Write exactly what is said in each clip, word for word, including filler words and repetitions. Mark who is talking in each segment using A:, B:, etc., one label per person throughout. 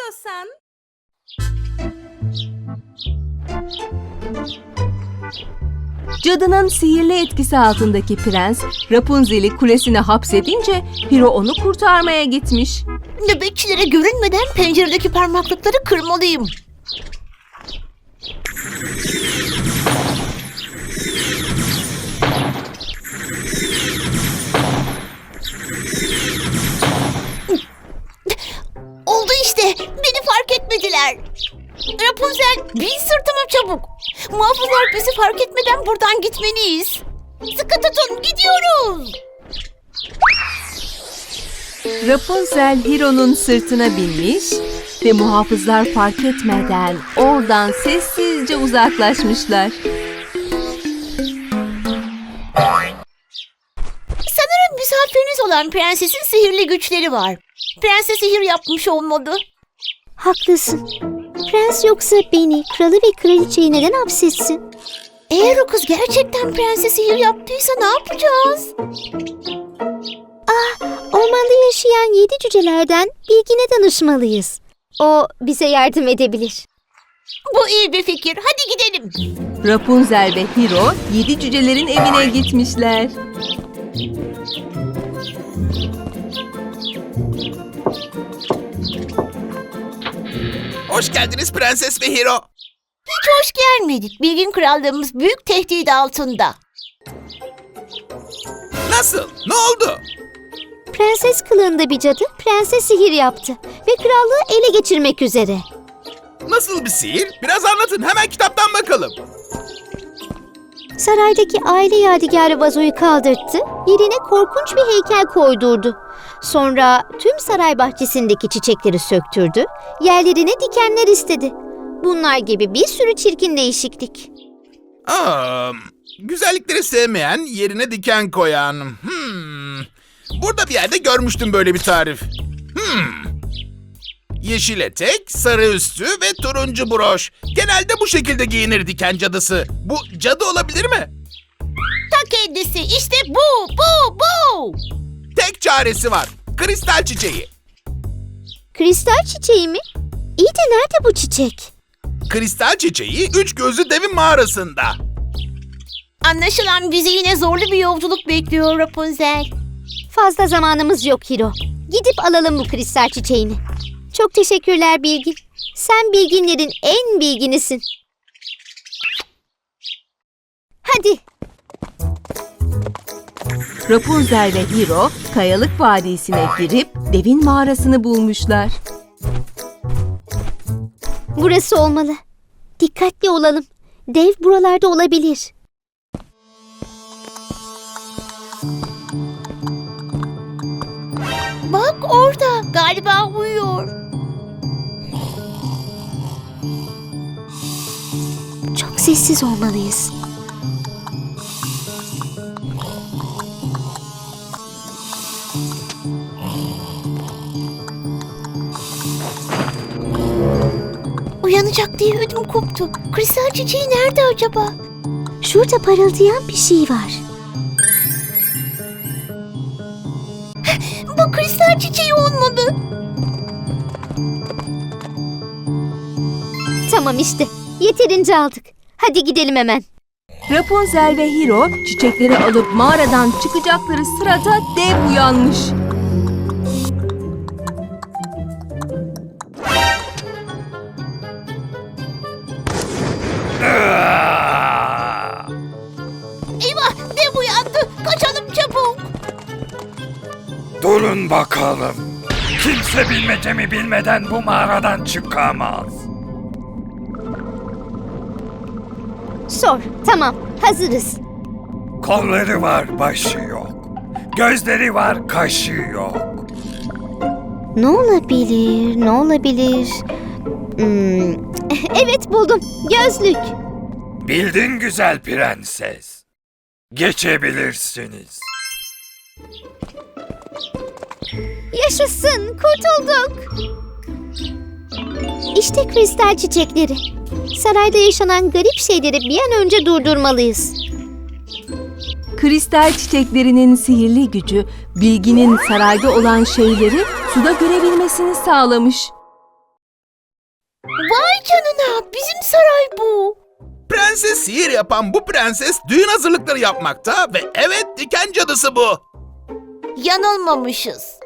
A: istiyorsan. Cadının sihirli etkisi altındaki prens, Rapunzel'i kulesine hapsedince Hiro onu kurtarmaya gitmiş.
B: Nöbetçilere görünmeden penceredeki parmaklıkları kırmalıyım. Oldu işte. Beni fark etmediler. Rapunzel, bin sırtıma çabuk. Muhafızlar bizi fark etmeden buradan gitmeliyiz. Sıkı tutun, gidiyoruz.
A: Rapunzel Hiro'nun sırtına binmiş ve muhafızlar fark etmeden oradan sessizce uzaklaşmışlar.
B: Sanırım misafiriniz olan prensesin sihirli güçleri var. Prense sihir yapmış olmalı.
C: Haklısın. Prens yoksa beni, kralı ve kraliçeyi neden hapsetsin?
B: Eğer o kız gerçekten prense sihir yaptıysa ne yapacağız?
C: Ormanda yaşayan yedi cücelerden Bilgin'e danışmalıyız. O bize yardım edebilir.
B: Bu iyi bir fikir. Hadi gidelim.
A: Rapunzel ve Hiro yedi cücelerin evine gitmişler.
D: Hoş geldiniz Prenses ve Hiro.
B: Hiç hoş gelmedik. Bilgin krallığımız büyük tehdit altında.
D: Nasıl? Ne oldu?
C: Prenses kılığında bir cadı prense sihir yaptı ve krallığı ele geçirmek üzere.
D: Nasıl bir sihir? Biraz anlatın. Hemen kitaptan bakalım.
C: Saraydaki aile yadigarı vazoyu kaldırttı, yerine korkunç bir heykel koydurdu. Sonra tüm saray bahçesindeki çiçekleri söktürdü, yerlerine dikenler istedi. Bunlar gibi bir sürü çirkin değişiklik.
D: Aa, güzellikleri sevmeyen, yerine diken koyan. Hmm. Burada bir yerde görmüştüm böyle bir tarif. Hmm. Yeşil etek, sarı üstü ve turuncu broş. Genelde bu şekilde giyinir diken cadısı. Bu cadı olabilir mi?
B: Ta kendisi. İşte bu, bu, bu.
D: Tek çaresi var. Kristal çiçeği.
C: Kristal çiçeği mi? İyi de nerede bu çiçek?
D: Kristal çiçeği üç gözlü devin mağarasında.
B: Anlaşılan bizi yine zorlu bir yolculuk bekliyor Rapunzel.
C: Fazla zamanımız yok Hiro. Gidip alalım bu kristal çiçeğini. Çok teşekkürler Bilgin. Sen bilginlerin en bilginisin. Hadi.
A: Rapunzel ve Hiro kayalık vadisine girip devin mağarasını bulmuşlar.
C: Burası olmalı. Dikkatli olalım. Dev buralarda olabilir.
B: Bak orada. Galiba uyuyor.
C: Çok sessiz olmalıyız.
B: Uyanacak diye ödüm koptu. Kristal çiçeği nerede acaba?
C: Şurada parıldayan bir şey var.
B: Bu kristal çiçeği olmalı.
C: Tamam işte. Yeterince aldık. Hadi gidelim hemen.
A: Rapunzel ve Hiro çiçekleri alıp mağaradan çıkacakları sırada dev uyanmış.
B: Eyvah, dev uyandı. Kaçalım çabuk.
E: Durun bakalım. Kimse bilmecemi bilmeden bu mağaradan çıkamaz.
C: Sor. Tamam. Hazırız.
E: Kolları var, başı yok. Gözleri var, kaşı yok.
C: Ne olabilir? Ne olabilir? Hmm, evet buldum. Gözlük.
E: Bildin güzel prenses. Geçebilirsiniz.
C: Yaşasın. Kurtulduk. İşte kristal çiçekleri. Sarayda yaşanan garip şeyleri bir an önce durdurmalıyız.
A: Kristal çiçeklerinin sihirli gücü Bilgin'in sarayda olan şeyleri suda görebilmesini sağlamış.
B: Vay canına, bizim saray bu.
D: Prenses sihir yapan bu prenses düğün hazırlıkları yapmakta ve evet diken cadısı bu.
B: Yanılmamışız.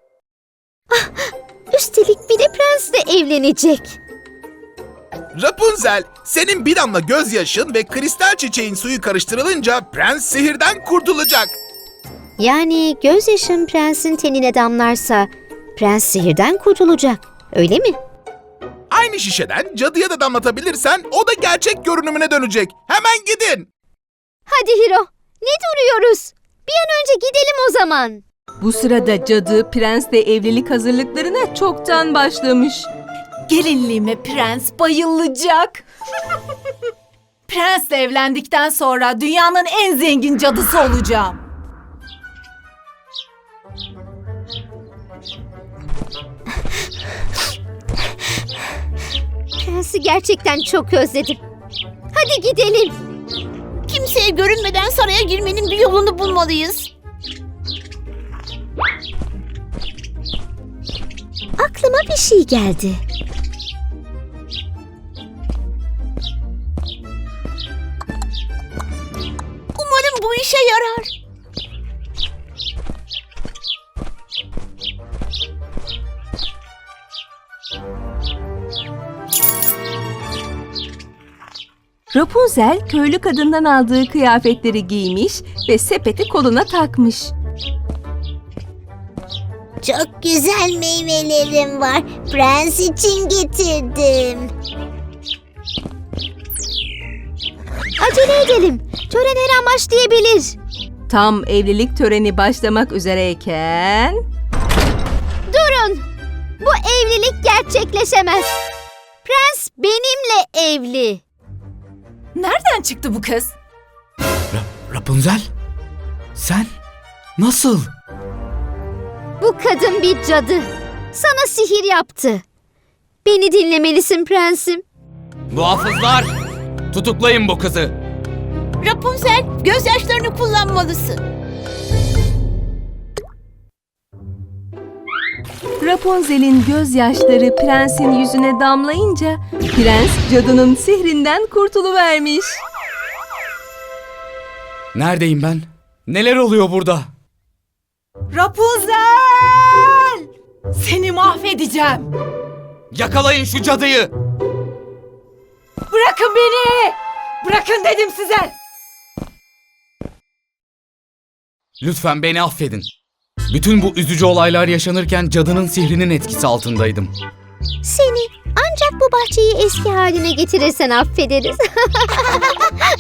C: Üstelik bir de prensle evlenecek.
D: Rapunzel, senin bir damla gözyaşın ve kristal çiçeğin suyu karıştırılınca prens sihirden kurtulacak.
C: Yani gözyaşın prensin tenine damlarsa prens sihirden kurtulacak. Öyle mi?
D: Aynı şişeden cadıya da damlatabilirsen o da gerçek görünümüne dönecek. Hemen gidin.
C: Hadi Hiro, ne duruyoruz? Bir an önce gidelim o zaman.
A: Bu sırada cadı prensle evlilik hazırlıklarına çoktan başlamış.
F: Gelinliğime prens bayılacak. Prensle evlendikten sonra dünyanın en zengin cadısı olacağım.
C: Prensi gerçekten çok özledim. Hadi gidelim.
B: Kimseye görünmeden saraya girmenin bir yolunu bulmalıyız.
C: Aklıma bir şey geldi.
B: Umarım bu işe yarar.
A: Rapunzel köylü kadından aldığı kıyafetleri giymiş ve sepeti koluna takmış.
B: Çok güzel meyvelerim var. Prens için getirdim.
C: Acele edelim. Tören her an başlayabilir.
A: Tam evlilik töreni başlamak üzereyken...
C: Durun. Bu evlilik gerçekleşemez. Prens benimle evli.
F: Nereden çıktı bu kız?
G: Rapunzel? Sen? Nasıl?
C: Bu kadın bir cadı. Sana sihir yaptı. Beni dinlemelisin prensim.
G: Muhafızlar! Tutuklayın bu kızı.
B: Rapunzel, gözyaşlarını kullanmalısın.
A: Rapunzel'in gözyaşları prensin yüzüne damlayınca prens cadının sihrinden kurtuluvermiş.
G: Neredeyim ben? Neler oluyor burada?
F: Rapunzel! Seni mahvedeceğim.
G: Yakalayın şu cadıyı!
F: Bırakın beni! Bırakın dedim size!
G: Lütfen beni affedin. Bütün bu üzücü olaylar yaşanırken cadının sihrinin etkisi altındaydım.
C: Seni ancak bu bahçeyi eski haline getirirsen affederiz.